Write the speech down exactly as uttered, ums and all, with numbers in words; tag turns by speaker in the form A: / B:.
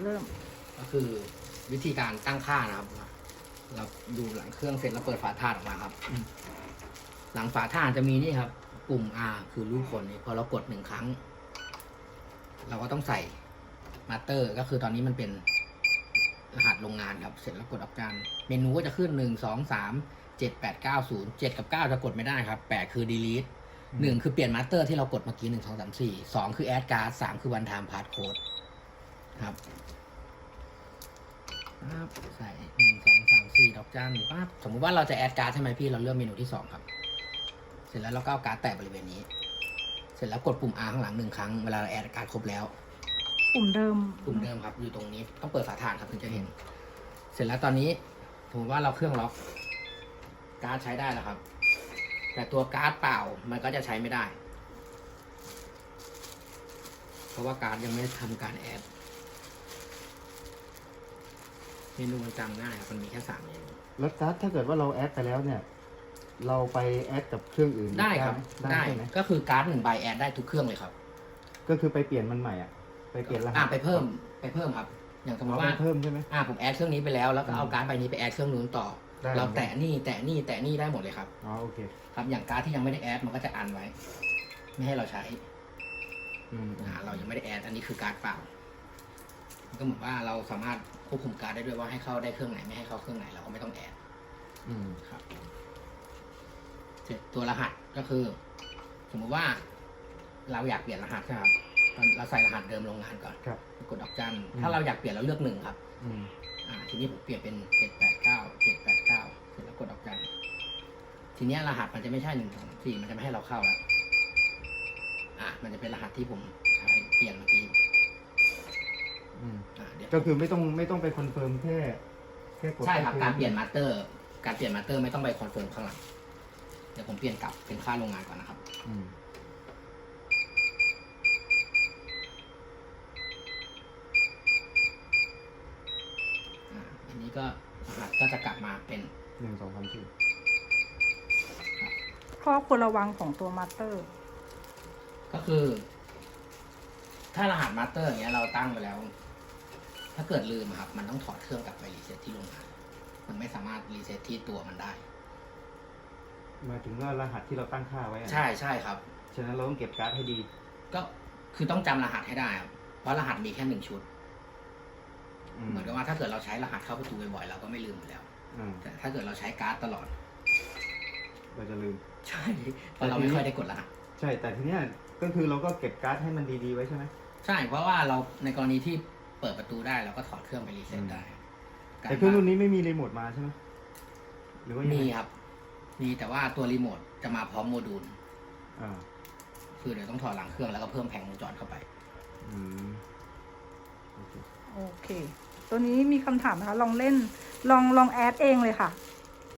A: เริ่ม
B: ก็คือวิธีการตั้งค่านะครับเราดูหลังเครื่องเสร็จแล้วเปิดฝาถ่านออกมาครับหลังฝาถ่านจะมีนี่ครับปุ่ม R คือรูปคนนี่พอเรากดหนึ่งครั้งเราก็ต้องใส่มาสเตอร์ก็คือตอนนี้มันเป็นรหัสโรงงานครับเสร็จแล้วกดออกการเมนูก็จะขึ้นหนึ่งสองสามเจ็ดแปดเก้าศูนย์เจ็ดกับเก้าจะกดไม่ได้ครับแปดคือ delete หนึ่งคือเปลี่ยนมาสเตอร์ที่เรากดเมื่อกี้หนึ่งสองสามสี่สองคือ add card สามคือ one time passcode ครับปั๊บใส่หนึ่งสองสามสี่ดอกจันปั๊บสมมุติว่าเราจะแอดการ์ดใช่ไหมพี่เราเลือกเมนูที่สองครับเสร็จแล้วเราก็เอาการ์ดแตะบริเวณนี้เสร็จแล้วกดปุ่ม R ข้างหลังหนึ่งครั้งเวลาเราแอดการ์ดครบแล้ว
A: ปุ่มเดิม
B: ปุ่มเดิมครับอยู่ตรงนี้ต้องเปิดฝาถ่านครับถึงจะเห็นเสร็จแล้วตอนนี้สมมติว่าเราเครื่องล็อกการ์ดใช้ได้แล้วครับแต่ตัวการ์ดเปล่ามันก็จะใช้ไม่ได้เพราะว่าการ์ดยังไม่ทำการแอดเมนูมันจำง่ายครับมันมีแค่สามเมนู
C: แล้วการ์ดถ้าเกิดว่าเราแอดไปแล้วเนี่ยเราไปแอดกับเครื่องอื่น
B: ได้ครับได้ก็คือการ์ดหนึ่งใบแอดได้ทุกเครื่องเลยครับ
C: ก็คือไปเปลี่ยนมันใหม่อ่ะไปเปลี่ยนรหัส
B: อ่าไปเพิ่มไปเพิ่มครับอย่างสมมติว่า
C: เพิ่มใช่ไหม
B: อ่าผมแอดเครื่องนี้ไปแล้วแล้วก็เอาการ์ดใบนี้ไปแอดเครื่องนู้นต่อเราแตะนี่แตะนี่แตะนี่ได้หมดเลยครับ
C: อ๋อโอเค
B: ครับอย่างการ์ดที่ยังไม่ได้แอดมันก็จะอันไว้ไม่ให้เราใช้
C: อืม
B: อ่าเรายังไม่ได้แอดอันนี้คือการ์ดเปล่าก็เหมือนว่าเราสามารถควบคุมการ์ดได้ด้วยว่าให้เข้าได้เครื่องไหนไม่ให้เข้าเครื่องไหนเราก็ไม่ต้องแอด
C: อืม
B: ครับเสร็จตัวรหัสก็คือ สมมุติว่าเราอยากเปลี่ยนรหัสครับเราใส่รหัสเดิมโรงงานก่อนกดดอกจันถ้าเราอยากเปลี่ยนเราเลือกหนึ่งครับอ่าทีนี้ผมเปลี่ยนเป็นเจ็ดแปดเก้าเจ็ดแปดเก้าเสร็จแล้วกดดอกจันทีนี้รหัสมันจะไม่ใช่หนึ่งสองสี่มันจะไม่ให้เราเข้าแล้วอ่ามันจะเป็นรหัสที่ผมใช้เปลี่ยนเมื่อกี้
C: ก็คือไม่ต้องไม่ต้องไปคอนเฟิร์มแค่แค่กด
B: ใช่ครับการเปลี่ยนมาสเตอร์การเปลี่ยนมาสเตอร์ไม่ต้องไปคอนเฟิร์มข้างหลังเดี๋ยวผมเปลี่ยนกลับเป็นค่าโรงงานก่อนนะครับ
C: อืม
B: อันนี้ก็รหัสก็จะกลับมาเป็น
C: หนึ่งสองสามสี่
A: ข้อควรระวังของตัวมาสเตอร์
B: ก็คือ ถ้ารหัสมาสเตอร์อย่างเงี้ยเราตั้งไปแล้วถ้าเกิดลืมครับมันต้องถอดเครื่องกลับไปรีเซ็ตที่โรงงานมันไม่สามารถรีเซ็ตที่ตัวมันได้
C: หมายถึงว่ารหัสที่เราตั้งค่าไว้
B: ใช่ใช่ครับ
C: ฉะนั้นเราต้องเก็บการ์ดให้ดี
B: ก็คือต้องจำรหัสให้ได้ครับเพราะรหัสมีแค่หนึ่งชุดเหมือนกับว่าถ้าเกิดเราใช้รหัสเข้าประตูบ่อยๆเราก็ไม่ลืมอยู่แล้วแต่ถ้าเกิดเราใช้การ์ดตลอด
C: เราจะลืม
B: ใช่เพราะเราไม่ค่อยได้กดรหัส
C: ใช่แต่ทีเนี้ยก็คือเราก็เก็บการ์ดให้มันดีๆไว้ใช่ไหม
B: ใช่เพราะว่าเราในกรณีที่เปิดประตูได้เราก็ถอดเครื่องไปรีเซ็ตได้
C: แต่เครื่องรุ่นนี้ไม่มีรีโมทมาใช่ไหมหรือว่า
B: มีครับมีแต่ว่าตัวรีโมทจะมาพร้อมโมดูล
C: อ่า
B: คือเดี๋ยวต้องถอดหลังเครื่องแล้วก็เพิ่มแผงวงจรเข้าไป
C: อืม
A: โอเคตัวนี้มีคำถามนะคะลองเล่นลองลองแอดเองเลยค่ะ